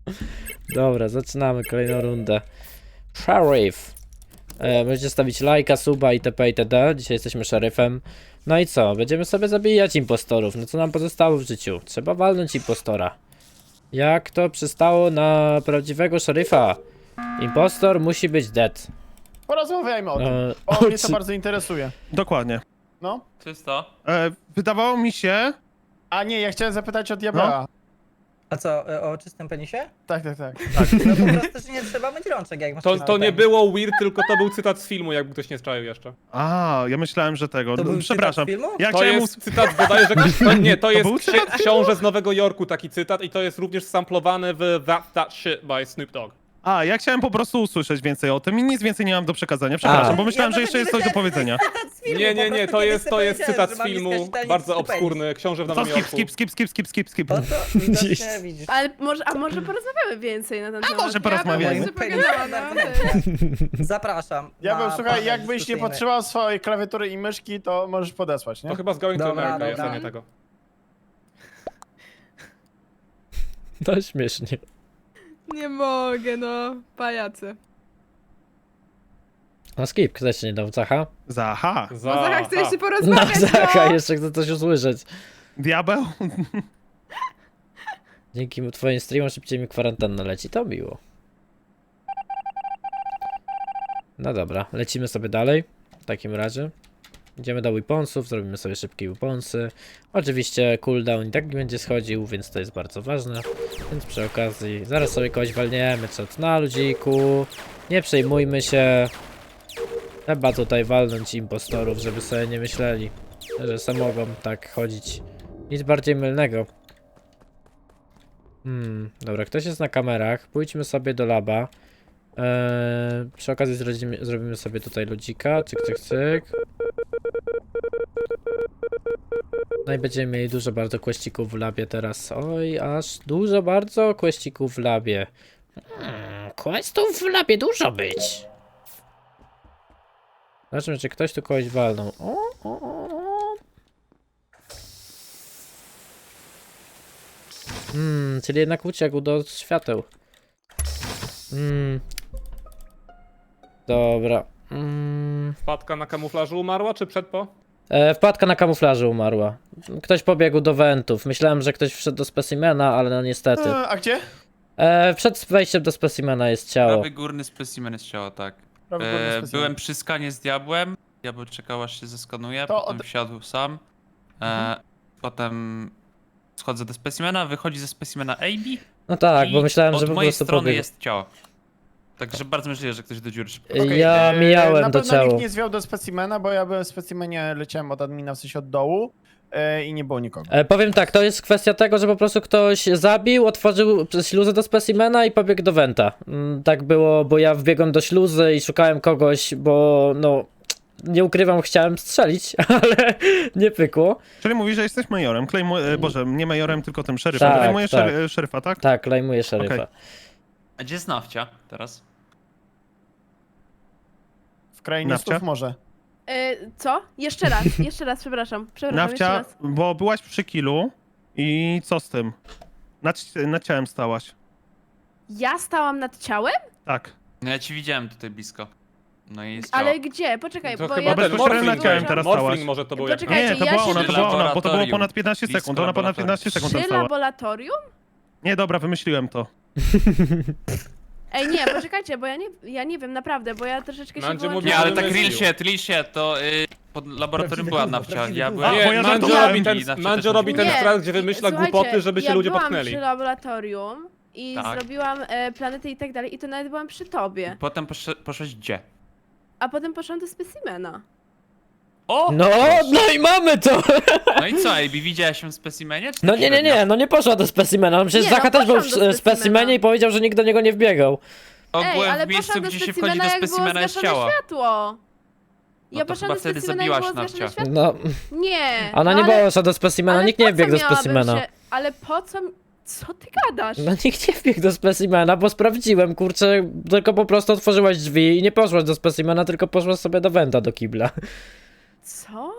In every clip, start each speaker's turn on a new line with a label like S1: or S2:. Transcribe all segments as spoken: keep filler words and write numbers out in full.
S1: Dobra, zaczynamy kolejną rundę. Sheriff. E, możecie stawić lajka, suba itp. itd. Dzisiaj jesteśmy szeryfem. No i co? Będziemy sobie zabijać impostorów. No co nam pozostało w życiu? Trzeba walnąć impostora. Jak to przystało na prawdziwego szeryfa? Impostor musi być dead.
S2: Porozmawiajmy o tym,
S1: E,
S2: bo mnie to
S1: czy-
S2: bardzo interesuje.
S3: Dokładnie.
S2: No.
S4: Czysto.
S3: E, wydawało mi się...
S2: A nie, ja chciałem zapytać o Diabła.
S5: A co, y, o czystym penisie?
S2: Tak, tak, tak.
S5: No po prostu, że nie trzeba myć rączek, jak masz
S6: To,
S5: czysty
S6: to nie
S5: penis.
S6: było weird, tylko to był cytat z filmu, jakby ktoś nie strzaił jeszcze.
S3: A, ja myślałem, że tego.
S5: To
S3: No,
S5: był
S3: przepraszam.
S5: cytat z filmu?
S3: Ja
S6: To
S3: chciałem...
S6: jest cytat bodajże... To, nie, to jest
S3: był
S6: ksi- książę z Nowego Jorku, taki cytat i to jest również samplowane w That That Shit by Snoop Dogg.
S3: A, ja chciałem po prostu usłyszeć więcej o tym i nic więcej nie mam do przekazania. Przepraszam,
S1: A.
S3: bo myślałem,
S5: Ja
S3: że jeszcze jest coś do
S5: dlatego
S3: powiedzenia.
S5: Cytat z filmu,
S6: Nie,
S5: po
S6: nie, nie,
S5: prostu
S6: to
S5: kiedyś
S6: jest,
S5: sobie
S6: to jest
S5: powiedziałem,
S6: cytat
S5: że
S6: z
S5: mam
S6: filmu,
S5: miskać tańczyć
S6: bardzo
S5: czysty penis.
S6: obskurny, książę w
S3: To
S6: Nowym
S3: skip,
S6: Jorku.
S3: skip, skip, skip, skip, skip, skip.
S5: O to widocznie widzisz.
S7: Ale może, a może porozmawiamy więcej na ten temat?
S3: może porozmawiajmy.
S7: Ja bym
S5: Penis
S7: jeszcze pogadała,
S5: bardzo
S7: no.
S5: fajny. Zapraszam.
S2: Ja bym,
S5: na
S2: słuchaj,
S5: panel
S2: jakbyś nie
S5: dyskusyjny.
S2: potrzebował swojej klawiatury i myszki, to możesz podesłać, nie?
S6: To chyba z Going to
S5: Dobra,
S6: America jest, a
S5: dobra.
S6: nie tego.
S1: To śmiesznie.
S7: Nie mogę, no. Pajacy.
S1: No skip, ktoś jeszcze nie dał Zacha?
S3: Zaha.
S6: Za...
S7: No Zacha, chcę jeszcze
S1: No
S7: porozmawiać,
S1: Zacha,
S7: no.
S1: jeszcze chcę coś usłyszeć.
S3: Diabeł?
S1: Dzięki twoim streamom szybciej mi kwarantanna leci, to miło. No dobra, lecimy sobie dalej. W takim razie. Idziemy do weaponsów, zrobimy sobie szybkie weaponsy. Oczywiście cooldown i tak nie będzie schodził, więc to jest bardzo ważne. Więc przy okazji zaraz sobie kogoś walniemy, czat na ludziku. Nie przejmujmy się. Trzeba tutaj walnąć impostorów, żeby sobie nie myśleli, że se mogą tak chodzić. Nic bardziej mylnego. Hmm, dobra, ktoś jest na kamerach. Pójdźmy sobie do laba. Eee, przy okazji zrobimy, zrobimy sobie tutaj ludzika. Cyk, cyk, cyk. No i będziemy mieli dużo bardzo questików w labie teraz. Oj, aż dużo bardzo questików w labie. Hmm, questów w labie dużo być. Zobaczmy, czy ktoś tu kogoś walnął. O, o, o, o. Hmm, czyli jednak uciekł do świateł. Hmm. Dobra. Hmm.
S6: Wpadka na kamuflażu umarła, czy przed po?
S1: E, wpadka na kamuflażu umarła. Ktoś pobiegł do wentów. Myślałem, że ktoś wszedł do specimena, ale no niestety.
S2: E, a gdzie?
S1: E, przed wejściem do specimena jest ciało.
S4: Prawy górny specimen jest ciało, tak.
S2: Prawy górny
S4: E,
S2: specimen.
S4: byłem przy skanie z diabłem. Diabeł czekał aż się zeskanuje,
S2: To
S4: potem
S2: od-
S4: wsiadł sam. E, Potem schodzę do specimena, wychodzi ze specimena A B.
S1: No tak,
S4: i
S1: bo myślałem,
S4: od
S1: że po
S4: mojej
S1: prostu
S4: strony
S1: pobiegł.
S4: jest ciało. Także bardzo możliwe, że ktoś do dziury szybko.
S1: E,
S2: Okej,
S1: ja
S2: e,
S1: mijałem
S2: na
S1: do
S2: pewno
S1: ciała.
S2: nikt nie zwiał do specimena, bo ja byłem w specimenie, leciałem od admina, w sensie od dołu e, i nie było nikogo.
S1: E, powiem tak, to jest kwestia tego, że po prostu ktoś zabił, otworzył śluzę do specimena i pobiegł do wenta. Mm, tak było, bo ja wbiegłem do śluzy i szukałem kogoś, bo no... Nie ukrywam, chciałem strzelić, ale nie pykło.
S3: Czyli mówisz, że jesteś majorem. Klejmu... e, Boże, nie majorem, tylko tym szeryfem.
S1: Tak,
S3: Klejmujesz
S1: tak.
S3: szer... szeryfa, tak?
S1: Tak, lajmuję szeryfa.
S3: Okej.
S4: A gdzie jest Nawcia teraz?
S2: W krainie
S3: Nawcia?
S2: snów może.
S7: E, co? Jeszcze raz, jeszcze raz, przepraszam. Przepraszam, jeszcze
S3: Nawcia,
S7: raz.
S3: bo byłaś przy killu i co z tym? Nad, nad ciałem stałaś.
S7: Ja stałam nad ciałem?
S3: Tak.
S4: No ja ci widziałem tutaj blisko. No i jest ciało.
S7: Ale gdzie? Poczekaj,
S6: To
S7: bo
S6: chyba
S7: ja...
S3: bez-
S6: ten
S3: bezpośrednio
S6: Morfling,
S3: nad ciałem teraz stałaś.
S6: Morfling może to był jak...
S7: Poczekaj.
S3: Nie, to
S7: ja
S3: była
S7: się
S3: ona, to
S7: przy
S3: była ona, bo to było
S4: laboratorium.
S3: ponad piętnaście
S4: Blisko
S3: sekund. Ona ponad
S4: laboratorium.
S3: piętnaście sekund tam
S7: Przy
S3: stała.
S7: laboratorium?
S3: Nie, dobra, wymyśliłem to.
S7: Ej, nie, poczekajcie, bo ja nie, ja nie wiem, naprawdę, bo ja troszeczkę się
S6: Mandzio
S7: wyłączyłam.
S6: mówi,
S4: Nie, ale
S6: że
S4: tak
S6: wymyślił.
S4: real shit, real shit, to y, pod laboratorium
S5: Prawdziwy
S4: była
S5: gówno,
S4: Nawcia.
S5: prawdziwy
S4: Ja
S5: gówno.
S4: byłem...
S3: A, bo ja
S6: Nie, Mandzio
S3: żartowałem.
S6: robi ten,
S4: I Nawcia
S6: Mandzio
S4: też
S6: robi ten
S4: mówiła.
S7: Nie,
S6: strat, gdzie wymyśla
S7: słuchajcie,
S6: głupoty, żeby się
S7: ja
S6: ludzie
S7: byłam
S6: popchnęli.
S7: przy laboratorium i
S4: Tak.
S7: zrobiłam e, planety i tak dalej i to nawet byłam przy tobie.
S4: Potem posz poszłeś gdzie?
S7: A potem poszłam do specimena.
S4: O!
S1: No, no i mamy to!
S4: No i co, A B widziała się w specimenie? czy
S1: No
S4: tak
S1: nie, nie,
S4: średnio?
S1: nie, no nie poszła do specimena. No przecież
S7: Nie, no
S1: Zacha też był w
S7: poszłam do
S1: e,
S7: specimena.
S1: specimenie i powiedział, że nikt do niego nie wbiegał.
S7: Ej,
S4: Ogółem
S7: ale
S4: w miejscu,
S7: poszłam do
S4: gdzie się wchodzi
S7: specimena,
S4: do
S7: jak było
S4: specimena jest
S7: zgaszone
S4: ciało.
S7: światło. Ja
S4: No to
S7: poszłam
S4: chyba
S7: do
S4: wtedy
S7: specimena, jak było
S4: zabiłaś
S7: zgaszone
S4: Nawcia.
S7: światło.
S1: No,
S7: Nie.
S1: ona
S7: no
S1: nie
S7: ale,
S1: poszła do specimena,
S7: ale
S1: nikt nie
S7: po co
S1: wbiegł do
S7: miałabym
S1: specimena.
S7: Się, ale po co... Co ty gadasz?
S1: No nikt nie wbiegł do specimena, bo sprawdziłem, kurczę, tylko po prostu otworzyłaś drzwi i nie poszłaś do specimena, tylko poszłaś sobie do wenta, do kibla.
S7: Co?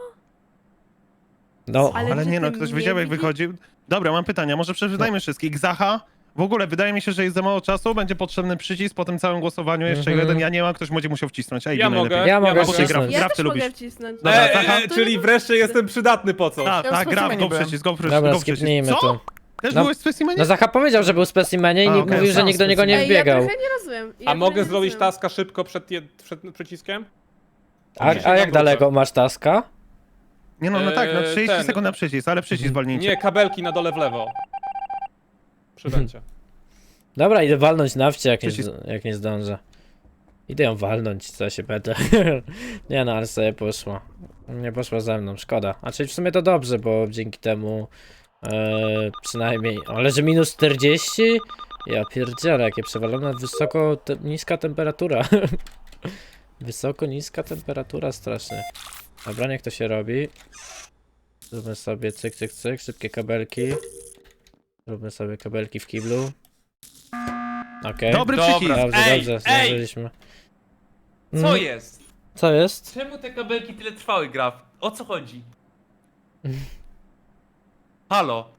S1: No,
S7: Ale
S3: Ale
S7: że
S3: nie no,
S7: ty
S3: ktoś
S7: nie
S3: wiedział jak
S7: widzi-
S3: wychodził. Dobra, mam pytania, może przeczytajmy wszystkich. Zacha, W ogóle wydaje mi się, że jest za mało czasu, będzie potrzebny przycisk po tym całym głosowaniu, jeszcze
S1: Mhm.
S3: jeden, ja nie mam, ktoś będzie musiał wcisnąć. Ej,
S6: Ja
S3: najlepiej.
S6: mogę.
S1: Ja mogę
S6: mogę.
S1: wcisnąć.
S7: Ja
S3: Graf,
S7: też
S3: ty
S7: mogę
S3: lubisz.
S7: wcisnąć.
S3: Dobra,
S6: E,
S3: Zacha?
S6: e, czyli wreszcie jestem przydatny po coś.
S3: Tak,
S2: Ja
S3: tak,
S2: w
S3: graf,
S2: specimenie
S3: go
S2: byłem.
S3: przycisk, go przycisk,
S1: Dobra,
S3: go przycisk.
S1: skipnijmy
S3: Co?
S1: to.
S3: Też
S1: No-
S3: byłeś w specimenie?
S1: No Zacha powiedział, że był w specimenie i
S3: A,
S1: nikt
S3: okej.
S1: mówił, że
S2: Sam
S1: nikt do niego nie
S7: Ej, ja
S1: wbiegał.
S7: trochę nie rozumiem. Ja
S6: A
S7: trochę
S6: mogę
S7: nie
S6: zrobić
S7: rozumiem.
S6: taska szybko przed, jed... przed przyciskiem?
S1: A, a jak
S6: wrócę.
S1: daleko masz taska?
S3: Nie no, no tak, no
S6: Eee,
S3: trzydzieści
S6: ten.
S3: sekund na przycisk, ale przycisk walnijcie.
S6: Nie, kabelki na dole w lewo. Przy węcie.
S1: Dobra, idę walnąć nawcie, jak nie,
S3: Przycisk.
S1: zd- jak nie zdążę. Idę ją walnąć, co się będę. Nie no, ale sobie poszła. Nie poszła ze mną, szkoda. A czyli w sumie to dobrze, bo dzięki temu e, przynajmniej... Ale że minus czterdzieści? Ja pierdzielę, jakie przewalone, wysoko, te, niska temperatura. Wysoko, niska temperatura strasznie. Dobra, niech to się robi. Zróbmy sobie cyk, cyk, cyk, szybkie kabelki. Zróbmy sobie kabelki w kiblu. Okej.
S3: Dobry
S4: Dobra.
S3: przycisk.
S1: Dobrze,
S4: Ej,
S1: dobrze,
S4: ej!
S1: zdążyliśmy.
S4: Co
S1: Mhm.
S4: jest?
S1: Co jest?
S4: Czemu te kabelki tyle trwały, Graf? O co chodzi? Halo?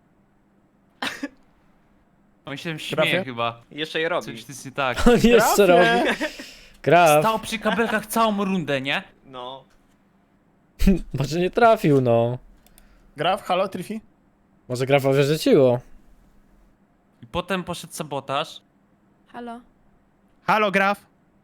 S4: On się śmieje
S2: Grafie?
S4: chyba.
S8: Jeszcze je robi.
S4: Coś tu jest nie tak.
S1: On jeszcze robi. Graf.
S4: Stał przy kabelkach całą rundę, nie?
S8: No.
S1: Może nie trafił, no.
S2: Graf, halo, Trifi?
S1: Może Grafowi rzuciło.
S4: I potem poszedł sabotaż.
S7: Halo.
S3: Halo, graf.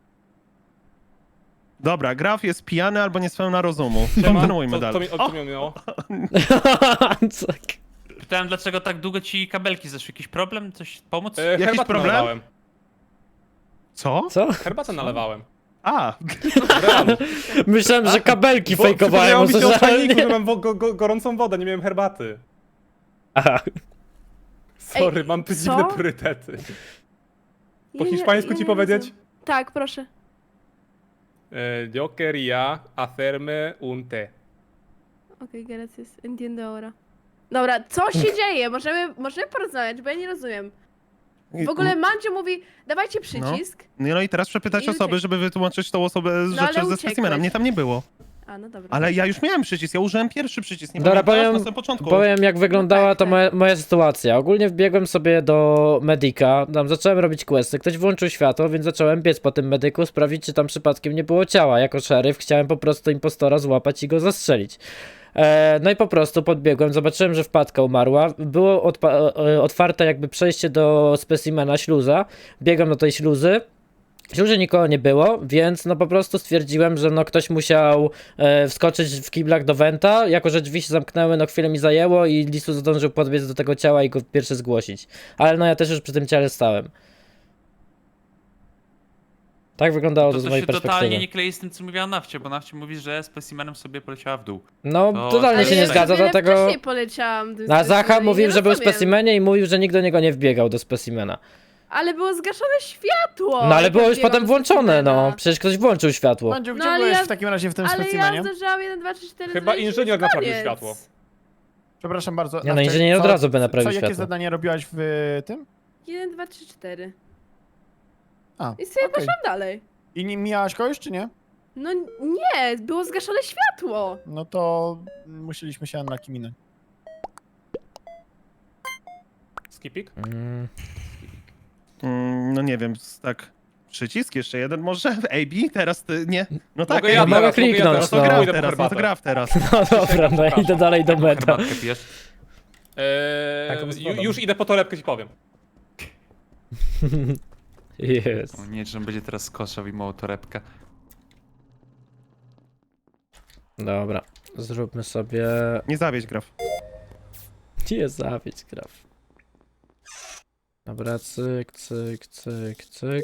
S3: Dobra, graf jest pijany albo niespełna rozumu.
S6: Siema.
S3: Kontynuujmy
S6: Co, co
S3: dalej.
S6: mi, o, co mi minęło?
S1: Co?
S4: Pytałem, dlaczego tak długo ci kabelki zeszły. Jakiś problem? Coś pomóc?
S6: E,
S3: Jakiś
S6: herbatę
S3: problem?
S6: nalewałem.
S3: Co?
S1: Co?
S6: Herbatę nalewałem.
S3: A,
S6: W realu.
S1: Myślałem, że kabelki
S6: Bo
S1: fejkowałem
S6: przypomniało mi się o czajniku, że
S1: usłyszałem.
S6: mam wo- go, go, gorącą wodę, nie miałem herbaty.
S1: Aha.
S6: Sorry,
S7: Ej,
S6: mam
S7: co?
S6: dziwne priorytety. Po
S7: Ja nie-
S6: hiszpańsku
S7: ja
S6: ci
S7: nie
S6: powiedzieć?
S7: rozumiem. Tak, proszę.
S6: E, Yo quería hacerme un té.
S7: Okej, gracias. Entiendo ahora. Dobra, co się dzieje? Możemy, możemy porozmawiać, bo ja nie rozumiem. W ogóle Mandzio mówi, dawajcie przycisk.
S3: No, no i teraz przepytać
S7: I
S3: osoby,
S7: uciekł.
S3: żeby wytłumaczyć tą osobę z
S7: No, ale
S3: rzeczy ze
S7: uciekłeś.
S3: specimena. Mnie tam nie było.
S7: A, no dobra.
S3: Ale ja już miałem przycisk, ja użyłem pierwszy przycisk, nie
S1: Dobra,
S3: pamiętasz?
S1: powiem-
S3: Na samym początku.
S1: Powiem jak wyglądała
S7: No tak,
S1: to
S7: tak.
S1: moja, moja sytuacja. Ogólnie wbiegłem sobie do Medika, tam zacząłem robić questy, ktoś włączył światło, więc zacząłem biec po tym medyku, sprawdzić czy tam przypadkiem nie było ciała. Jako szeryf chciałem po prostu impostora złapać i go zastrzelić. E, no i po prostu podbiegłem, zobaczyłem, że wpadka umarła, było odpa- e, otwarte jakby przejście do specimena śluza, biegłem do tej śluzy. W śluzie nikogo nie było, więc no po prostu stwierdziłem, że no ktoś musiał e, wskoczyć w kiblach do Wenta, jako że drzwi się zamknęły, no chwilę mi zajęło i Lisu zdążył podbiec do tego ciała i go pierwszy zgłosić. Ale no ja też już przy tym ciele stałem. Tak wyglądało to,
S4: To,
S1: z
S4: to
S1: mojej
S4: się
S1: perspektywy.
S4: totalnie nie klei z tym, co mówiła Nawcie, bo Nawcie mówi, że specimenem sobie poleciała w dół.
S1: No
S4: To-
S1: totalnie
S4: Ale
S1: się nie
S4: ja
S1: zgadza,
S7: wiele
S1: dlatego...
S7: wcześniej poleciałam tym
S1: A Zacha
S7: specimenem i
S1: mówił,
S7: nie
S1: że był w
S7: rozumiem.
S1: specimenie i mówił, że nikt do niego nie wbiegał do specimena.
S7: Ale było zgaszone światło!
S1: No ale
S7: jak
S1: było
S7: ja
S1: już
S7: biegłam
S1: potem
S7: do
S1: włączone,
S7: specimena.
S1: no. Przecież ktoś włączył światło.
S2: Mandziu, gdzie
S7: No, ale
S2: byłeś
S7: ja-
S2: w takim razie w tym
S7: Ale ja
S2: specimenie?
S7: zdążyłam jeden, dwa, trzy, cztery
S6: Chyba
S7: zrobić,
S6: inżynier
S7: już
S6: naprawił
S7: koniec.
S6: światło.
S2: Przepraszam bardzo.
S1: Nie, no,
S2: Nawcie,
S1: inżynier od
S2: co-
S1: razu by naprawił
S2: Co, jakie
S1: światło.
S2: zadanie robiłaś w tym?
S7: jeden, dwa, trzy, cztery.
S2: A,
S7: I sobie
S2: okej.
S7: poszłam dalej.
S2: I nie mijałaś kogoś, czy nie?
S7: No nie, było zgaszone światło.
S2: No to musieliśmy się na kim minąć.
S6: Skipik?
S1: Mm.
S3: Mm, no nie wiem, s- tak. Przycisk jeszcze jeden może? A B? Teraz ty, nie? No tak,
S6: Mogę ja
S3: A B.
S1: mogę
S6: teraz, mogę ja
S1: kliknąć,
S6: teraz,
S3: No
S1: no.
S3: to
S6: pójdę
S3: graf
S6: po
S3: teraz, no to
S6: herbatę.
S3: graf teraz.
S1: No dobra, no ja idę dalej do meta.
S4: Herbatkę pijesz?
S6: Eee,
S2: Taką z
S6: ju-
S2: wodą.
S6: już idę po torebkę, ci powiem.
S1: Jest.
S4: O nie, że on będzie teraz skoszał i małą torebkę.
S1: Dobra, zróbmy sobie...
S3: Nie zawieź graf.
S1: Nie zabić graf. Dobra, cyk, cyk, cyk, cyk.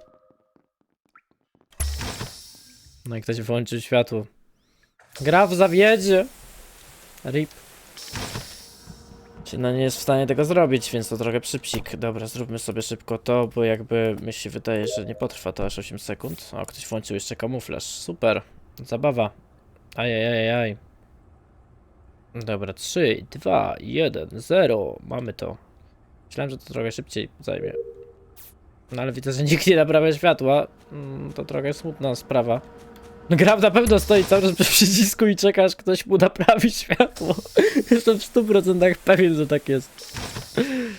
S1: No i ktoś włączył światło. Graf zawiedzie! Rip. Czy no nie jest w stanie tego zrobić, więc to trochę przypsik. Dobra, zróbmy sobie szybko to, bo jakby mi się wydaje, że nie potrwa to aż osiem sekund. O, ktoś włączył jeszcze kamuflaż. Super. Zabawa. Ajajajaj. Dobra, trzy, dwa, jeden, zero. Mamy to. Myślałem, że to trochę szybciej zajmie. No ale widzę, że nikt nie naprawia światła. Mm, to trochę smutna sprawa. No Graf na pewno stoi cały czas przy przycisku i czeka, aż ktoś mu naprawi światło. Jestem w stu procentach pewien, że tak jest.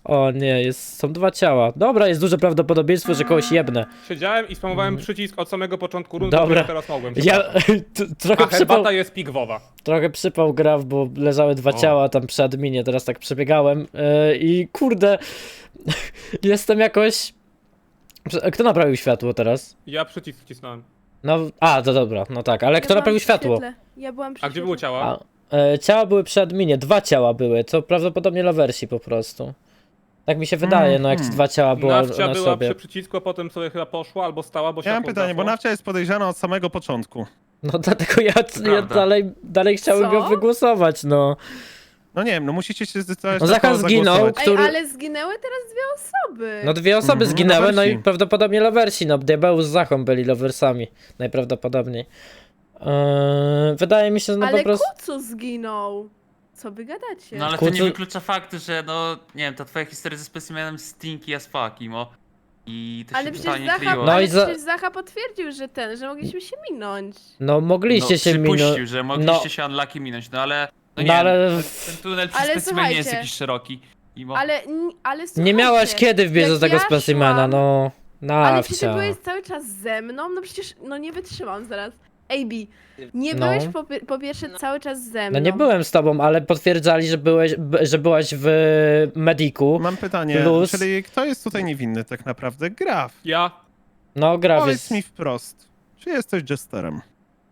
S1: O nie, jest, są dwa ciała. Dobra, jest duże prawdopodobieństwo, że kogoś jebnę.
S6: Siedziałem i spamowałem przycisk od samego początku rundy,
S1: Dobra.
S6: który teraz mogłem.
S1: Ja
S6: przepraszam.
S1: t- trochę
S6: A
S1: przypał,
S6: herbata jest pigwowa.
S1: trochę przypał graf, bo leżały dwa
S6: O.
S1: ciała tam przy adminie, teraz tak przebiegałem yy, i kurde, jestem jakoś... Prze- Kto naprawił światło teraz?
S6: Ja przycisk wcisnąłem.
S1: No, a, to dobra, no tak, ale
S7: Ja
S1: kto
S7: byłam
S1: naprawił
S7: przy
S1: światło?
S7: świetle. Ja byłam przy
S6: A gdzie były
S7: świetle.
S6: ciała?
S1: A, e, ciała były przy adminie, dwa ciała były, to prawdopodobnie lowersi po prostu. Tak mi się wydaje, no jak
S3: Mhm.
S1: dwa ciała było
S6: Nawcia
S1: na
S6: była
S1: sobie.
S6: przy przycisku, a potem sobie chyba poszła albo stała, bo
S3: Ja mam
S6: światło
S3: pytanie, bo
S6: zgasło.
S3: Nawcia jest podejrzana od samego początku.
S1: No dlatego ja, ja
S4: Prawda.
S1: dalej, dalej chciałem
S7: Co?
S1: go wygłosować, no.
S3: No nie wiem, no musicie się zdecydować
S1: No
S3: na
S1: Zacha
S3: kogo
S1: zginął.
S3: zagłosować.
S7: Ej,
S1: który-
S7: ale zginęły teraz dwie osoby.
S1: No dwie osoby
S3: Mhm,
S1: zginęły, no i
S3: lowersi.
S1: prawdopodobnie lowersi, no Diabeł z Zachą byli lowersami, najprawdopodobniej. Eee, wydaje mi się, że no
S7: ale
S1: po prostu...
S7: Kucu zginął. Co wy gadacie?
S4: No ale to
S1: Kurczę-
S4: nie wyklucza faktu, że no, nie wiem, ta twoja historia ze specimenem stinky as fuck, Imo. I to się
S7: Ale przecież
S4: totalnie
S7: Zacha,
S4: kleiło.
S1: No
S7: ale
S1: i za-
S7: przecież Zacha potwierdził, że ten, że mogliśmy się minąć.
S1: No mogliście
S4: no,
S1: się minąć.
S4: przypuścił, że mogliście
S1: no.
S4: się unlucky minąć, no ale... No nie
S1: No
S4: wiem,
S1: ale-
S4: ten, ten tunel przy
S7: Ale
S4: specimenie jest
S7: słuchajcie.
S4: jakiś szeroki. Imo.
S7: Ale, n- ale
S1: Nie
S7: słuchajcie,
S1: miałaś kiedy wbiec do
S7: jak
S1: tego
S7: ja
S1: specimena,
S7: szłam-
S1: no.
S7: Ale przecież
S1: Nawcia.
S7: byłeś cały czas ze mną, no przecież, no nie wytrzymam zaraz. A B, nie
S1: No.
S7: byłeś po, pi- po pierwsze cały czas ze mną.
S1: No nie byłem z tobą, ale potwierdzali, że byłeś, b- że byłaś w mediku.
S3: Mam pytanie,
S1: Plus-
S3: czyli kto jest tutaj niewinny tak naprawdę? Graf.
S6: Ja.
S1: No gra
S3: Powiedz
S1: jest...
S3: mi wprost, czy jesteś jesterem?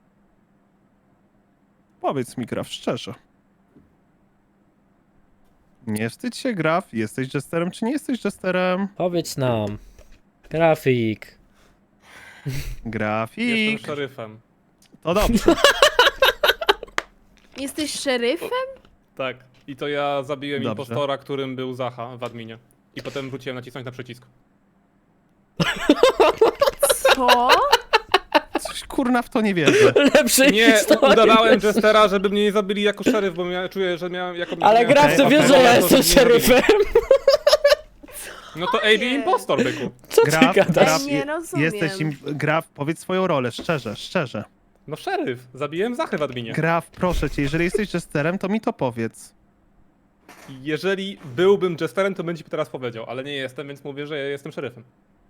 S3: Powiedz mi, Graf, szczerze. Nie wstydź się, Graf, jesteś jesterem, czy nie jesteś jesterem?
S1: Powiedz nam. Grafik.
S3: Grafik.
S6: Jestem szeryfem.
S3: To dobrze.
S7: Jesteś szeryfem?
S6: Tak. I to ja zabiłem
S3: Dobrze.
S6: impostora, którym był Zacha w adminie. I potem wróciłem nacisnąć na przycisk.
S7: Co?
S3: Coś kurna w to nie wierzę.
S1: Lepszy
S6: Nie,
S1: historii.
S6: udawałem Jestera, żeby mnie nie zabili jako szeryf, bo mia- czuję, że miałem jako...
S1: Ale
S6: miałem-
S1: Graf, to
S3: Okej,
S1: wiesz,
S3: okej.
S1: że ja
S6: To,
S1: jestem
S6: żeby mnie zabili.
S1: szeryfem.
S6: No to A B
S7: Nie.
S6: impostor, byku.
S1: Co ty
S3: Graf,
S1: gadasz?
S3: Graf,
S7: Ja nie
S3: je-
S7: rozumiem.
S3: jesteś im... Graf, powiedz swoją rolę, szczerze, szczerze.
S6: No szeryf. Zabiłem Zachę w adminie.
S3: Graf, proszę cię, jeżeli jesteś jesterem, to mi to powiedz.
S6: Jeżeli byłbym Jesterem, to bym ci teraz powiedział, ale nie jestem, więc mówię, że ja jestem szeryfem.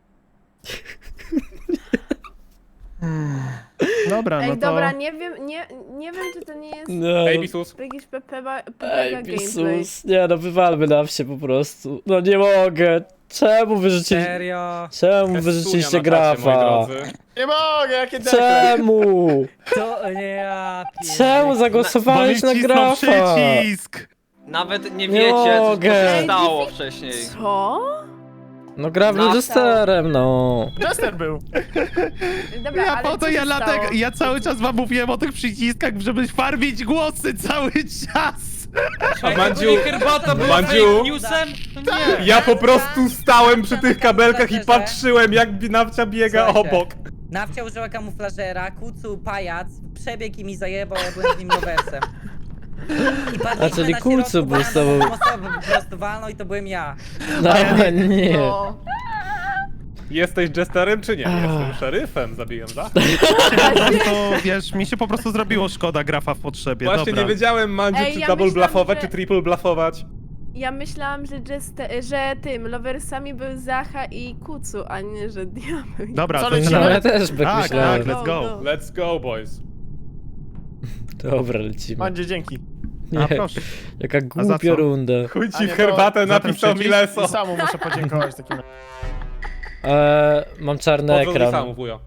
S3: Dobra,
S7: Ej,
S3: no to...
S7: dobra, nie wiem, nie, nie wiem, czy to nie jest
S1: No,
S6: A B sus.
S7: jakiś Pepega
S1: ej,
S7: gameplay.
S1: Jezus. Nie no, wywalmy na wsie po prostu. No nie mogę. Czemu wyrzuciliście...
S5: Serio?
S1: Czemu wyrzuciliście
S6: Estunia na czacie, moi
S1: Grafa?
S6: drodzy.
S2: Nie mogę, jakie dekle.
S1: Czemu?
S5: To nie ja.
S1: Czemu
S3: Bo
S1: zagłosowałeś
S3: mi
S1: na
S3: wcisnął
S1: Grafa?
S3: przycisk!
S8: Nawet nie
S1: Nie
S8: wiecie, co
S1: mogę.
S8: się stało wcześniej.
S7: Co?
S1: No Graf był
S8: Został.
S1: jesterem, no.
S2: Jester był.
S7: Dobra,
S3: Ja
S7: ale
S3: po to
S7: co
S3: ja
S7: się
S3: dlatego,
S7: stało?
S3: ja cały czas wam mówiłem o tych przyciskach, żeby farmić głosy cały czas!
S6: A Mandziu,
S8: Bo nie herbata była
S6: Mandziu?
S8: fake newsem? To nie.
S6: ja po prostu stałem przy tych kabelkach i patrzyłem, jak Nawcia biega
S5: Słuchajcie.
S6: obok.
S5: Nawcia użyła kamuflażera, kucu, pajac, przebiegł i mi zajebał, ja byłem z nim rowersem. I padliśmy
S1: A, czyli
S5: na
S1: Kucu
S5: środku
S1: był z
S5: bana,
S1: tobą.
S5: osobę po prostu walnął i to byłem ja.
S1: No nie.
S7: No.
S6: Jesteś Jesterem czy nie?
S1: Ach.
S6: Jestem szeryfem, zabiłem Zachę.
S3: Po prostu, wiesz, mi się po prostu zrobiło szkoda Grafa w potrzebie,
S6: Właśnie
S3: dobra.
S6: nie wiedziałem, Mandziu,
S7: Ej,
S6: czy
S7: ja
S6: double
S7: myślałam,
S6: bluffować,
S7: że-
S6: czy triple bluffować.
S7: Ja myślałam, że, Jeste, że tym, loversami był Zacha i Kucu, a nie, że Diabeł.
S3: Dobra,
S2: Co
S3: to
S2: lecimy?
S1: No ja też tak
S3: Tak,
S1: myślałem.
S3: tak, let's go.
S6: Let's go, boys.
S1: Dobra, lecimy.
S2: Mandzie, dzięki.
S3: A
S1: Nie,
S3: proszę.
S1: jaka
S3: za
S1: głupia
S3: co?
S1: runda.
S6: Chuj
S2: A
S6: ci
S2: nie,
S6: w
S2: to
S6: herbatę
S3: za ten
S6: napisał
S3: przycisk
S6: Mileso.
S2: I samu muszę podziękować takim razie.
S1: Eee, mam czarny
S6: Odwróć
S1: ekran.
S6: samu, wujo.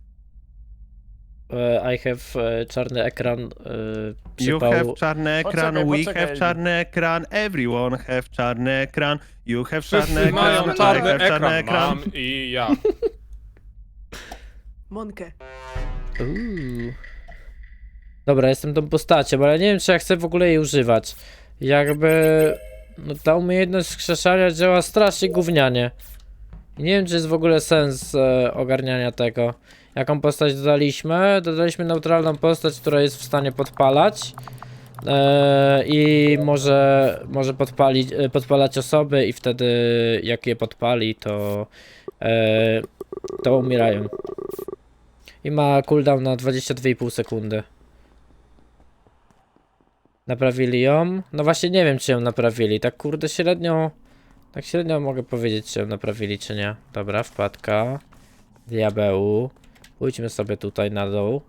S1: Eee, I have e, czarny ekran. Eee,
S3: You
S1: przypał.
S3: have czarny ekran,
S2: Poczekaj,
S3: we
S2: poczekaj.
S3: have czarny ekran, everyone have czarny ekran, you have czarny
S6: Wszyscy
S3: ekran,
S6: mają
S3: I
S6: czarny
S3: have czarny
S6: ekran,
S3: ekran.
S6: mam i ja.
S7: Monkę.
S1: Uuu. Dobra, jestem tą postacią, ale nie wiem, czy ja chcę w ogóle jej używać. Jakby... No, ta umiejętność skrzeszania działa strasznie gównianie. I nie wiem, czy jest w ogóle sens e, ogarniania tego. Jaką postać dodaliśmy? Dodaliśmy neutralną postać, która jest w stanie podpalać. E, I może, może podpalić, e, podpalać osoby i wtedy jak je podpali, to, e, to umierają. I ma cooldown na dwadzieścia dwie i pół sekundy. Naprawili ją? No właśnie nie wiem, czy ją naprawili. Tak kurde średnio Tak średnio mogę powiedzieć, czy ją naprawili, czy nie. Dobra, wpadka. Diabeł. Pójdźmy sobie tutaj na dół.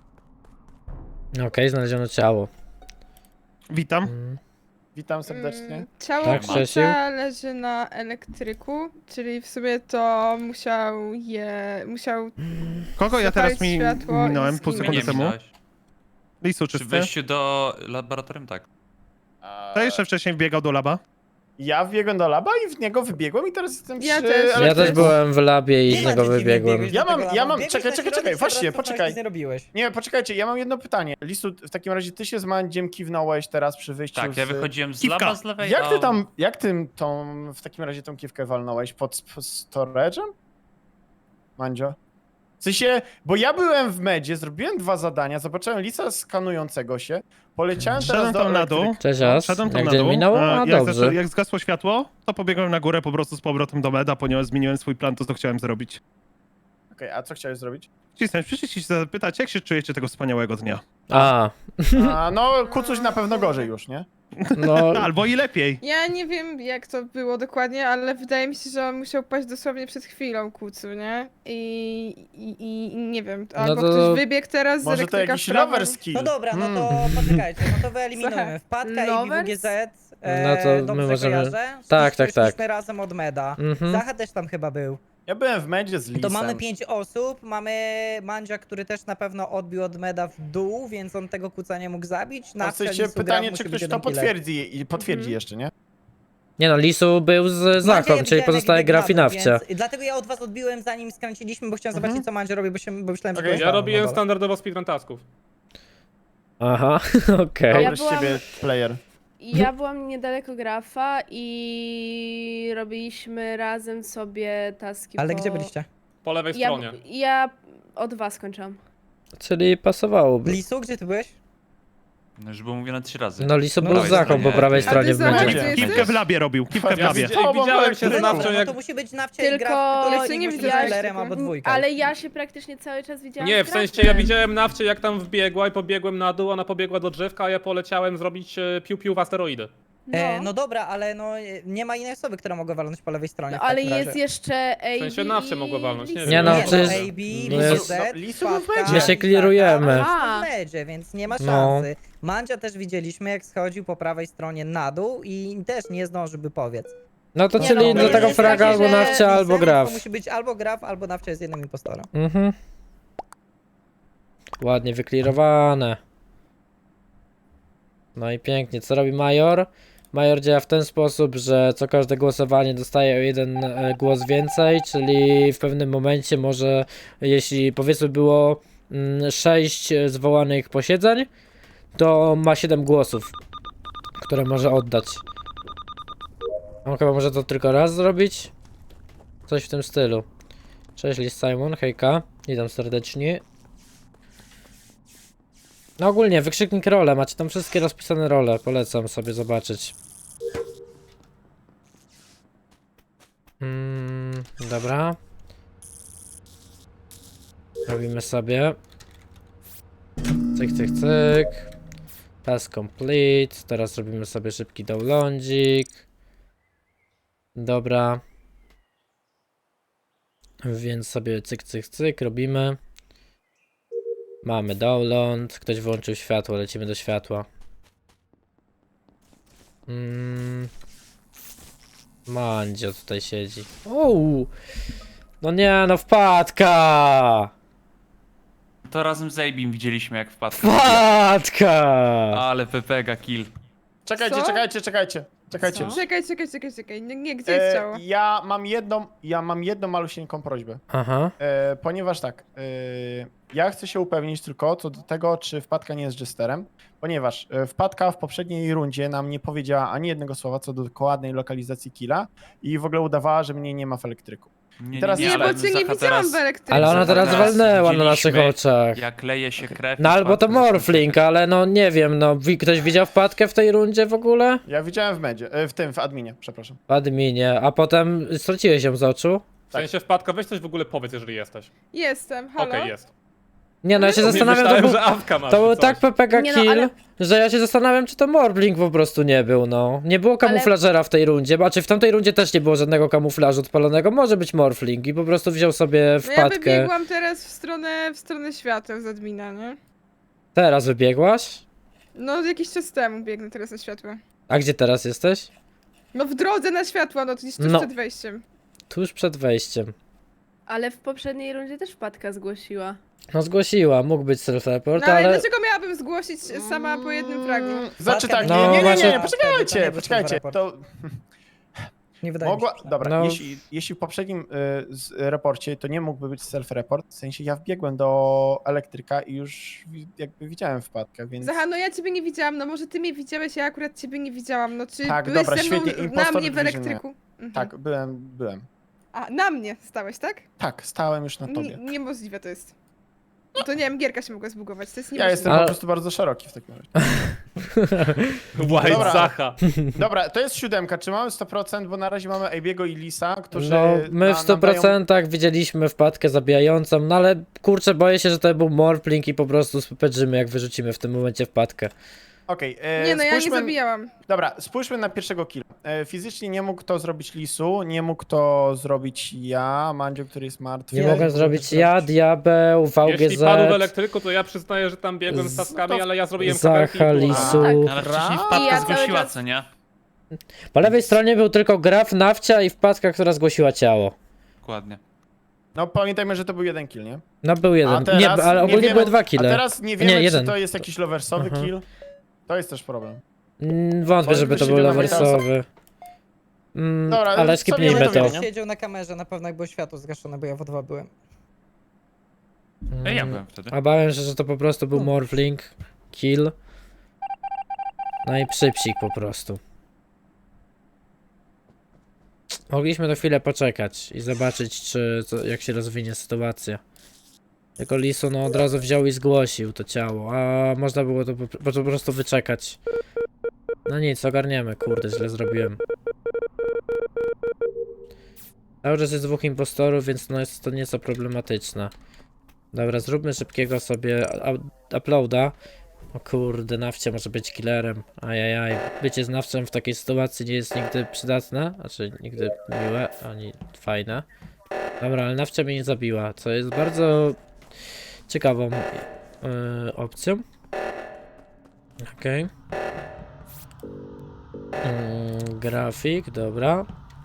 S1: Okej, znaleziono ciało.
S3: Witam.
S1: Mm.
S2: Witam serdecznie.
S9: Mm, Ciało
S1: Tak,
S9: tak,
S1: Grzesiu?
S9: leży na elektryku, czyli w sumie to musiał je... musiał...
S3: Kogo ja teraz mi
S9: zapalić światło i
S3: minąłem pół
S9: zginąć.
S3: sekundy
S4: Nie
S3: temu?
S4: minąłeś.
S3: Lisu
S4: Przy
S3: czysty.
S4: wejściu do laboratorium, tak.
S2: A,
S3: To jeszcze wcześniej wbiegał do laba.
S2: Ja wbiegłem do laba i w niego wybiegłem i teraz jestem
S9: Ja
S2: przy
S9: też. Ja
S1: Ja
S2: elektryku.
S1: też byłem w labie i
S5: Nie
S1: z
S5: ma
S1: niego
S5: dzieci, nie
S1: wybiegłem.
S5: biegłeś
S2: Ja
S5: do
S2: mam-
S5: tego
S2: ja
S5: laba.
S2: mam-
S5: Biegłeś
S2: czekaj,
S5: na
S2: czekaj,
S5: środek,
S2: czekaj,
S5: się
S2: właśnie,
S5: rozcofnąłeś,
S2: poczekaj.
S5: nic nie robiłeś.
S2: Nie, poczekajcie, ja mam jedno pytanie. Lisu, w takim razie ty się z Mandziem kiwnąłeś teraz przy wyjściu
S4: Tak, ja
S2: z...
S4: wychodziłem z
S3: Kiwka.
S4: laba z lewej,
S2: Jak ty
S4: a-
S2: tam, jak ty tą, w takim razie tą kiwkę walnąłeś? Pod sp- storage'em? Mandzio? W sensie, bo ja byłem w medzie, zrobiłem dwa zadania, zobaczyłem Lisa skanującego się, poleciałem teraz
S3: Szedłem
S2: do
S3: tam na dół.
S2: elektryka.
S1: Cześć, As.
S3: Szedłem tam
S1: Jak
S3: na
S1: dzień
S3: dół.
S1: minął?
S3: a
S1: A,
S3: jak,
S1: dobrze.
S3: zaczę- jak zgasło światło, to pobiegłem na górę po prostu z powrotem do meda, ponieważ zmieniłem swój plan, to co chciałem zrobić.
S2: Okej, a co chciałeś zrobić?
S3: Cisnąć, przyszliście się zapytać, jak się czujecie tego wspaniałego dnia?
S1: A,
S2: A, no, Kucuś na pewno gorzej już, nie?
S1: no...
S3: Albo i lepiej.
S9: Ja nie wiem jak to było dokładnie, ale wydaje mi się, że on musiał paść dosłownie przed chwilą kucu, nie? I, i, i nie wiem, albo
S1: to-
S9: ktoś wybiegł teraz z
S2: Może to
S9: elektryka
S2: jakiś
S9: w prawo.
S2: lover skill.
S5: No dobra, no
S2: Hmm.
S5: to poczekajcie, no to wyeliminujemy. Wpadka i
S7: Lovers?
S5: W G Z, e,
S1: No to my
S5: dobrze
S1: możemy-
S5: kojarzę.
S1: Tak, tak,
S5: Szliśmy
S1: tak.
S5: razem od meda.
S1: Mhm.
S5: Zacha też tam chyba był.
S2: Ja byłem w medzie z Lisem.
S5: To mamy pięć osób, mamy Mandzia, który też na pewno odbił od meda w dół, więc on tego kuca nie mógł zabić.
S2: A w
S5: Nawcia,
S2: sensie
S5: Lisu,
S2: pytanie,
S5: Graf
S2: czy
S5: musi
S2: ktoś
S5: być
S2: to
S5: jeden killer.
S2: potwierdzi i potwierdzi
S9: Mhm.
S2: jeszcze, nie?
S1: Nie no, Lisu był z
S5: Mandzia
S1: Zachą,
S5: ja
S1: czyli
S5: widziałem,
S1: pozostałe
S5: jak biegł
S1: graf i
S5: na dół,
S1: nawcia.
S5: więc- Dlatego ja od was odbiłem zanim skręciliśmy, bo chciałem
S2: Mhm.
S5: zobaczyć co Mandzia robi, bo, się, bo myślałem, że
S2: Okej.
S5: to jest
S6: Ja
S5: Paweł
S6: robiłem
S5: na dole.
S6: standardowo speedrun tasków.
S1: Aha, okej.
S2: Dobry
S7: Ja
S2: z
S7: byłam-
S2: ciebie player.
S7: Ja byłam niedaleko grafa i robiliśmy razem sobie taski
S5: Ale
S7: po...
S5: gdzie byliście?
S6: Po lewej
S7: Ja,
S6: stronie.
S7: ja od was kończyłam.
S1: Czyli pasowałoby.
S5: Lisu, gdzie ty byłeś?
S4: No już było mówione trzy razy.
S1: No Lisu
S5: No
S1: był z
S4: dawaj,
S1: Zachą po
S4: stronie.
S1: prawej
S9: A ty
S1: stronie w
S9: Zacha,
S1: medzie.
S9: gdzie jesteś?
S3: Kiwkę w labie robił, kiwkę w
S2: Ja
S3: labie.
S2: widziałem-
S6: I widziałem się
S2: No
S6: z
S5: No,
S6: nawcią
S5: no
S6: jak...
S5: to musi być nawcia
S7: Tylko-
S5: i graf, który
S7: Ja
S5: musi
S9: nie
S5: być
S9: widziałam
S5: killerem
S9: tego.
S5: albo dwójką.
S7: Ale ja się praktycznie cały czas widziałam
S6: Nie,
S7: z
S6: w sensie
S7: grafem.
S6: ja widziałem nawcie jak tam wbiegła i pobiegłem na dół, ona pobiegła do drzewka, a ja poleciałem zrobić e, piu-piu w asteroidy.
S7: No,
S5: E, no dobra, ale no e, nie ma innej osoby, która mogła walnąć po lewej stronie.
S7: no
S5: w
S7: ale
S5: takim
S7: jest
S5: razie.
S7: jeszcze A B
S6: sensie nawcie mogła walnąć, nie
S7: Lisa.
S6: wiem.
S1: Nie no,
S5: Nie,
S1: przecież...
S5: A B,
S1: no
S5: V
S1: jest-
S5: Z,
S2: no, Lisu był w
S5: Wpadka,
S2: medzie.
S1: My się klirujemy.
S5: Zacha,
S7: A.
S5: w medzie, więc nie ma
S1: No.
S5: szansy. Mandzia też widzieliśmy, jak schodził po prawej stronie na dół i też nie zdążył by powiedz.
S1: No to
S5: Nie
S1: czyli
S5: no,
S1: do
S5: jest
S1: tego
S5: takie,
S1: fraga albo
S7: że
S1: nawcia, albo
S5: Lisem
S1: graf.
S5: To musi być albo graf, albo nawcia jest jednym impostorem.
S1: Mhm. Ładnie wyklirowane. No i pięknie. Co robi Major? Major działa w ten sposób, że co każde głosowanie dostaje o jeden e, głos więcej, czyli w pewnym momencie może, jeśli powiedzmy było mm, sześć zwołanych posiedzeń, to ma siedem głosów, które może oddać. On chyba może to tylko raz zrobić? Coś w tym stylu. Cześć Lis Simon, hejka, witam serdecznie. No ogólnie, wykrzyknik role, macie tam wszystkie rozpisane role, polecam sobie zobaczyć. Mm, dobra. Robimy sobie. Cyk, cyk, cyk. Task complete. Teraz robimy sobie szybki downloadzik. Dobra. Więc sobie cyk, cyk, cyk robimy. Mamy download. Ktoś włączył światło, lecimy do światła. Mm. Mandzio tutaj siedzi. Ouu! No nie, no wpadka!
S4: To razem z Abim widzieliśmy jak wpadł.
S1: Wpadka!
S4: Ale Pepega kill.
S2: Czekajcie,
S9: Co?
S2: czekajcie, czekajcie. Czekajcie.
S5: Co?
S9: Czekaj, czekaj, czekaj, czekaj. Nie, nie gdzie jest ciało?
S2: E, ja mam jedną, ja mam jedną malusieńką prośbę.
S1: Aha.
S2: E, ponieważ tak, e, ja chcę się upewnić tylko co do tego, czy wpadka nie jest jesterem, ponieważ e, wpadka w poprzedniej rundzie nam nie powiedziała ani jednego słowa co do dokładnej lokalizacji killa i w ogóle udawała, że mnie nie ma w elektryku.
S4: Nie,
S2: Teraz
S9: Nie,
S2: nie,
S9: bo
S2: ale
S9: cię nie
S4: Zacha
S9: widziałam
S4: teraz-
S9: w elektryce.
S1: Ale ona teraz
S4: Teraz
S1: walnęła na naszych
S4: widzieliśmy,
S1: oczach.
S4: Jak leje się krew.
S1: No
S4: i
S1: albo to
S4: wpadka-
S1: Morfling, ale no nie wiem, no wi- ktoś widział wpadkę w tej rundzie w ogóle?
S2: Ja widziałem w medzie, e, w tym, w adminie, przepraszam.
S1: W adminie, a potem straciłeś ją z oczu?
S6: W sensie wpadka, weź coś w ogóle powiedz, jeżeli jesteś.
S9: Jestem,
S6: Okej,
S9: halo?
S6: jest.
S1: Nie no, ja się
S6: Nie
S1: zastanawiam, to
S6: myślałem,
S1: był,
S6: że awka masz.
S1: to
S6: czy
S1: był
S6: coś.
S1: tak P P K
S7: Nie no,
S1: kill,
S7: ale-
S1: że ja się zastanawiam, czy to Morblink po prostu nie był, no. Nie było kamuflażera w tej rundzie, bo czy w tamtej rundzie też nie było żadnego kamuflażu odpalonego, może być Morphling i po prostu wziął sobie
S9: No ja
S1: wpadkę.
S9: wybiegłam teraz w stronę, w stronę świateł z admina, nie?
S1: Teraz wybiegłaś?
S9: No jakiś czas temu biegnę teraz na światła.
S1: A gdzie teraz jesteś?
S9: No w drodze na światła, no to gdzieś tuż
S1: No.
S9: przed wejściem.
S1: Tuż przed wejściem.
S7: Ale w poprzedniej rundzie też wpadka zgłosiła.
S1: No zgłosiła, mógł być self-report,
S9: No ale
S1: ale...
S9: dlaczego miałabym zgłosić sama po jednym fragu?
S2: Znaczy tak,
S1: No,
S2: nie, nie, nie, nie,
S1: właśnie-
S2: nie, poczekajcie, poczekajcie, to
S5: Nie wydaje
S2: mogła,
S5: mi się.
S2: dobra,
S1: No.
S2: jeśli, jeśli w poprzednim y, z, raporcie to nie mógłby być self-report, w sensie ja wbiegłem do elektryka i już wi- jakby widziałem wpadkę, więc...
S9: Zaha, no ja ciebie nie widziałam, no może ty mnie widziałeś, ja akurat ciebie nie widziałam, no czy
S2: Tak,
S9: byłeś
S2: dobra,
S9: ze mną
S2: świetnie,
S9: na
S2: impostor
S9: mnie w
S2: division,
S9: elektryku? Mhm.
S2: Tak, byłem, byłem.
S9: A, na mnie stałeś, tak?
S2: Tak, stałem już na
S9: Nie,
S2: tobie.
S9: niemożliwe to jest. No to nie wiem, gierka się mogła zbugować, to jest
S2: Ja
S9: niemożliwe.
S2: jestem
S1: Ale-
S2: po prostu bardzo szeroki w takim razie.
S6: White
S2: Dobra.
S6: Zacha.
S2: Dobra, to jest siódemka, czy mamy sto procent, bo na razie mamy Abiego i Lisa, którzy
S1: No, my
S2: na-
S1: w sto
S2: nadają-
S1: procent widzieliśmy wpadkę zabijającą, no ale kurczę, boję się, że to był Morphling i po prostu spepedrzymy, jak wyrzucimy w tym momencie wpadkę.
S2: Okej, e,
S9: Nie no, ja nie
S2: spójrzmy-
S9: zabijałam.
S2: Dobra, spójrzmy na pierwszego killa. E, fizycznie nie mógł to zrobić Lisu, nie mógł to zrobić ja, Mandzio, który jest martwy.
S1: Nie
S5: Ja-
S1: mogę
S2: mógł
S1: zrobić
S2: to
S1: ja,
S2: zrobić-
S1: Diabeł,
S6: Jeśli
S1: V G
S6: padł w
S1: Z,
S6: elektryku, to ja przyznaję, że tam biegłem z
S1: Z-
S6: taskami,
S2: no to-
S6: ale ja zrobiłem kabelki i
S1: Zacha,
S6: było.
S1: Lisu.
S7: tak.
S4: Ale wcześniej
S2: Dobra.
S4: wpadka
S7: I ja cały
S4: zgłosiła,
S7: czas-
S4: co nie?
S1: Po lewej stronie był tylko Graf, Nawcia i wpadka, która zgłosiła ciało.
S4: Dokładnie.
S2: No pamiętajmy, że to był jeden kill, nie?
S1: No był
S2: A
S1: jeden,
S2: teraz
S1: nie, ale
S2: nie
S1: ogólnie
S2: wiemy-
S1: były dwa
S2: A
S1: kille.
S2: teraz nie wiemy,
S1: Nie,
S2: czy
S1: jeden.
S2: to jest jakiś loversowy
S1: Aha.
S2: kill. To jest też problem.
S1: Mm, Wątpię,
S2: Może
S1: żeby
S2: by
S1: to
S2: się
S1: był
S2: wiadomo,
S1: loversowy. Mm,
S2: Dobra,
S1: ale
S2: co
S1: skipnijmy
S2: wiemy,
S1: to.
S2: to
S5: Ktoś
S2: wiemy.
S5: siedział na kamerze, na pewno jak było światło zgaszone, bo ja w O dwa byłem.
S4: Ej, ja
S1: Mm,
S4: byłem wtedy.
S1: A bałem się, że to po prostu był Morphling, kill. No i przypsik po prostu. Mogliśmy na chwilę poczekać i zobaczyć, czy co, jak się rozwinie sytuacja. Tylko Lisu no od razu wziął i zgłosił to ciało, a można było to po, po, po prostu wyczekać. No nic, ogarniemy, kurde, źle zrobiłem. Cały czas jest dwóch impostorów, więc no jest to nieco problematyczne. Dobra, zróbmy szybkiego sobie u- uploada. O kurde, Nawcia może być killerem. Ajajaj. Bycie znawcem w takiej sytuacji nie jest nigdy przydatne, znaczy nigdy miłe, ani fajne. Dobra, ale Nawcia mnie nie zabiła, co jest bardzo ciekawą yy, opcją. Okej. Mm, grafik, dobra.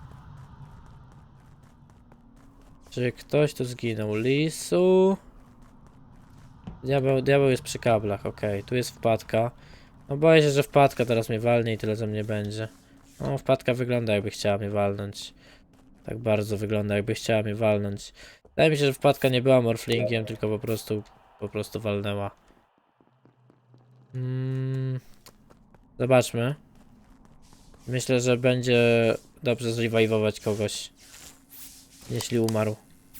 S1: Czy ktoś tu zginął? Lisu. Diabeł, diabeł jest przy kablach, okej. Tu jest wpadka. No boję się, że wpadka teraz mnie walnie i tyle ze mnie będzie. No wpadka wygląda jakby chciała mnie walnąć. Tak bardzo wygląda jakby chciała mnie walnąć. Wydaje mi się, że wpadka nie była morflingiem, tylko po prostu po prostu walnęła. Mm, zobaczmy. Myślę, że będzie dobrze zrevivować kogoś, jeśli umarł.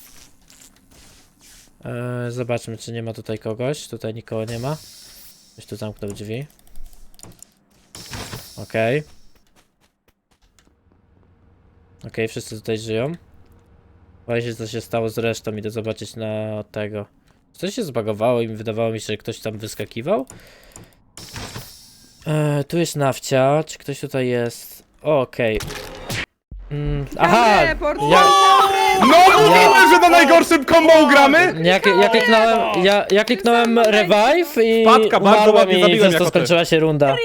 S1: Eee, zobaczmy, czy nie ma tutaj kogoś. Tutaj nikogo nie ma. Ktoś tu zamknął drzwi. Okej. Okej, wszyscy tutaj żyją. Boję się, co się stało z resztą. Idę zobaczyć na tego. Coś się zbagowało i wydawało mi się, że ktoś tam wyskakiwał. Eee, tu jest Nawcia. Czy ktoś tutaj jest? O, okej. Mm, aha!
S9: Report.
S1: Ja,
S6: No mówiłem, że na najgorszym combo gramy!
S1: ja, ja kliknąłem, ja, ja kliknąłem revive i
S6: Wpadka, bardzo
S1: umarłem
S6: ładnie
S1: i
S6: zabiłem
S1: przez to
S6: jako ty.
S1: skończyła się runda.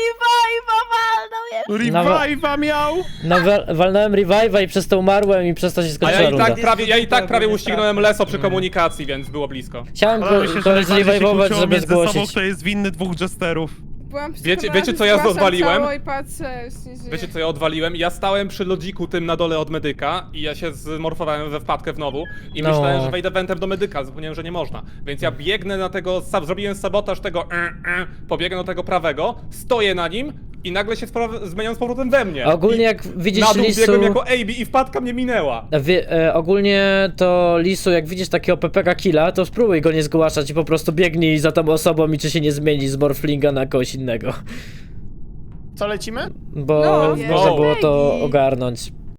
S3: Revive'a miał!
S1: No wa- walnąłem revive'a i przez to umarłem i przez to się
S6: A
S1: skończyła
S6: ja i
S1: runda.
S6: tak prawie, ja i tak prawie uścignąłem Leso przy komunikacji, więc było blisko.
S1: Chciałem
S3: Ale
S1: go,
S3: myślę, że
S1: kogoś
S3: najbardziej się
S1: zrevive'ować,
S3: kłóciło
S1: żeby
S3: między sobą,
S1: zgłosić.
S3: kto jest winny dwóch jesterów.
S9: Byłam
S6: Wiecie-
S9: przekonana,
S6: wiecie,
S9: że
S6: co ja
S9: zgłaszam
S6: rozwaliłem?
S9: ciało I patrzę, już nie żyję.
S6: Wiecie co ja odwaliłem? Ja stałem przy lodziku tym na dole od medyka i ja się zmorfowałem we wpadkę znowu i
S1: No.
S6: myślałem, że wejdę wentem do medyka, zapomniałem, że nie można. Więc ja biegnę na tego, sa- zrobiłem sabotaż tego e, e, pobiegnę do tego prawego, stoję na nim i nagle się spra- zmieniam z powrotem we mnie.
S1: A ogólnie
S6: I
S1: jak widzisz
S6: na dół
S1: Lisu...
S6: biegłem jako A B i wpadka mnie minęła.
S1: Wie, e, ogólnie to Lisu, jak widzisz takiego P P K killa, to spróbuj go nie zgłaszać i po prostu biegnij za tą osobą i czy się nie zmieni z Morflinga na kogoś innego.
S2: Co lecimy?
S1: Bo
S9: No,
S1: można
S6: no.
S1: było to
S7: Ej.
S1: ogarnąć.